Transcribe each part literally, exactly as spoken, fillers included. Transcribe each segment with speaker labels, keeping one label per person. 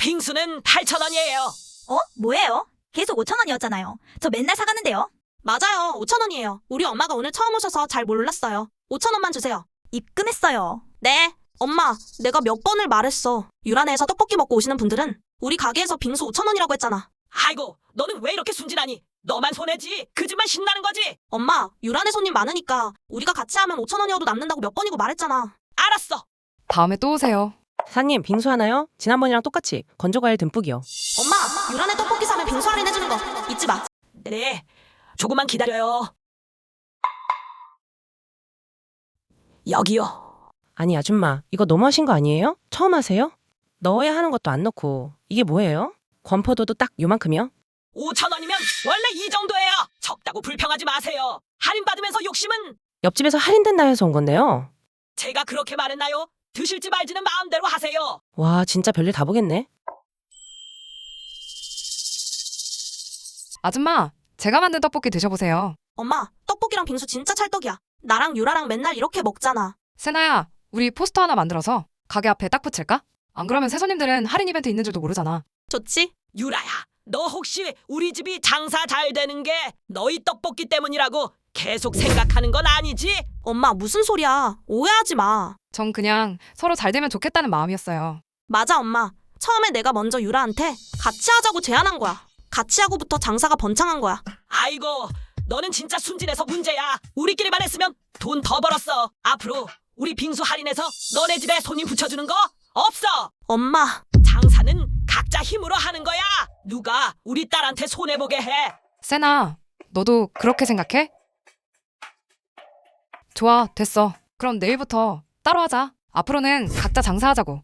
Speaker 1: 빙수는 팔천 원이에요.
Speaker 2: 어? 뭐예요? 계속 오천 원이었잖아요. 저 맨날 사가는데요.
Speaker 1: 맞아요. 오천 원이에요. 우리 엄마가 오늘 처음 오셔서 잘 몰랐어요. 오천 원만 주세요.
Speaker 2: 입금했어요.
Speaker 1: 네. 엄마, 내가 몇 번을 말했어. 유란에서 떡볶이 먹고 오시는 분들은 우리 가게에서 빙수 오천 원이라고 했잖아. 아이고, 너는 왜 이렇게 순진하니? 너만 손해지. 그 집만 신나는 거지. 엄마, 유란에 손님 많으니까 우리가 같이 하면 오천 원이어도 남는다고 몇 번이고 말했잖아. 알았어.
Speaker 3: 다음에 또 오세요.
Speaker 4: 사장님, 빙수 하나요? 지난번이랑 똑같이 건조과일 듬뿍이요.
Speaker 1: 엄마, 유란에 떡볶이 사면 빙수 할인해주는 거 잊지 마. 네, 조금만 기다려요. 여기요.
Speaker 4: 아니 아줌마, 이거 너무하신 거 아니에요? 처음 하세요? 넣어야 하는 것도 안 넣고 이게 뭐예요? 건포도도 딱 요만큼이요?
Speaker 1: 오천 원이면 원래 이 정도예요. 적다고 불평하지 마세요. 할인받으면서 욕심은
Speaker 4: 옆집에서 할인된다 해서 온 건데요.
Speaker 1: 제가 그렇게 말했나요? 드실지 말지는 마음대로 하세요.
Speaker 4: 와, 진짜 별일 다 보겠네.
Speaker 3: 아줌마, 제가 만든 떡볶이 드셔보세요.
Speaker 1: 엄마, 떡볶이랑 빙수 진짜 찰떡이야. 나랑 유라랑 맨날 이렇게 먹잖아.
Speaker 3: 세나야, 우리 포스터 하나 만들어서 가게 앞에 딱 붙일까? 안 그러면 새 손님들은 할인 이벤트 있는 줄도 모르잖아.
Speaker 1: 좋지? 유라야, 너 혹시 우리 집이 장사 잘 되는 게 너희 떡볶이 때문이라고 계속 생각하는 건 아니지? 엄마, 무슨 소리야. 오해하지 마.
Speaker 3: 전 그냥 서로 잘 되면 좋겠다는 마음이었어요.
Speaker 1: 맞아, 엄마. 처음에 내가 먼저 유라한테 같이 하자고 제안한 거야. 같이 하고부터 장사가 번창한 거야. 아이고, 너는 진짜 순진해서 문제야. 우리끼리만 했으면 돈 더 벌었어. 앞으로 우리 빙수 할인해서 너네 집에 손님 붙여주는 거 없어. 엄마, 장사는 각자 힘으로 하는 거야. 누가 우리 딸한테 손해보게 해.
Speaker 3: 세나, 너도 그렇게 생각해? 좋아, 됐어. 그럼 내일부터 따로 하자. 앞으로는 각자 장사하자고.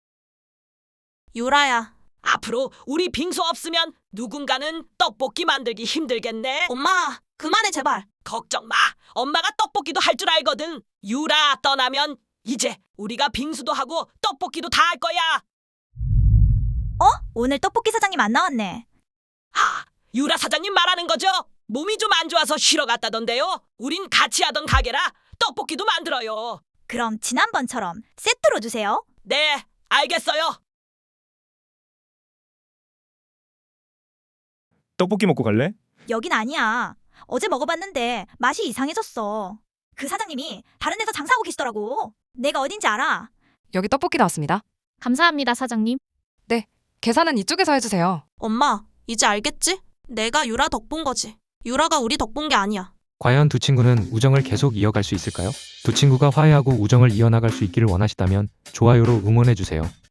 Speaker 1: 유라야, 앞으로 우리 빙수 없으면 누군가는 떡볶이 만들기 힘들겠네. 엄마, 그만해 제발. 걱정 마. 엄마가 떡볶이도 할 줄 알거든. 유라 떠나면 이제 우리가 빙수도 하고 떡볶이도 다 할 거야.
Speaker 2: 어? 오늘 떡볶이 사장님 안 나왔네.
Speaker 1: 아, 유라 사장님 말하는 거죠? 몸이 좀 안 좋아서 쉬러 갔다던데요. 우린 같이 하던 가게라 떡볶이도 만들어요.
Speaker 2: 그럼 지난번처럼 세트로 주세요.
Speaker 1: 네, 알겠어요.
Speaker 5: 떡볶이 먹고 갈래?
Speaker 2: 여긴 아니야. 어제 먹어봤는데 맛이 이상해졌어. 그 사장님이 다른 데서 장사하고 계시더라고. 내가 어딘지 알아.
Speaker 3: 여기 떡볶이 나왔습니다.
Speaker 6: 감사합니다, 사장님.
Speaker 3: 계산은 이쪽에서 해주세요.
Speaker 1: 엄마, 이제 알겠지? 내가 유라 덕본 거지. 유라가 우리 덕본 게 아니야.
Speaker 7: 과연 두 친구는 우정을 계속 이어갈 수 있을까요? 두 친구가 화해하고 우정을 이어나갈 수 있기를 원하시다면 좋아요로 응원해주세요.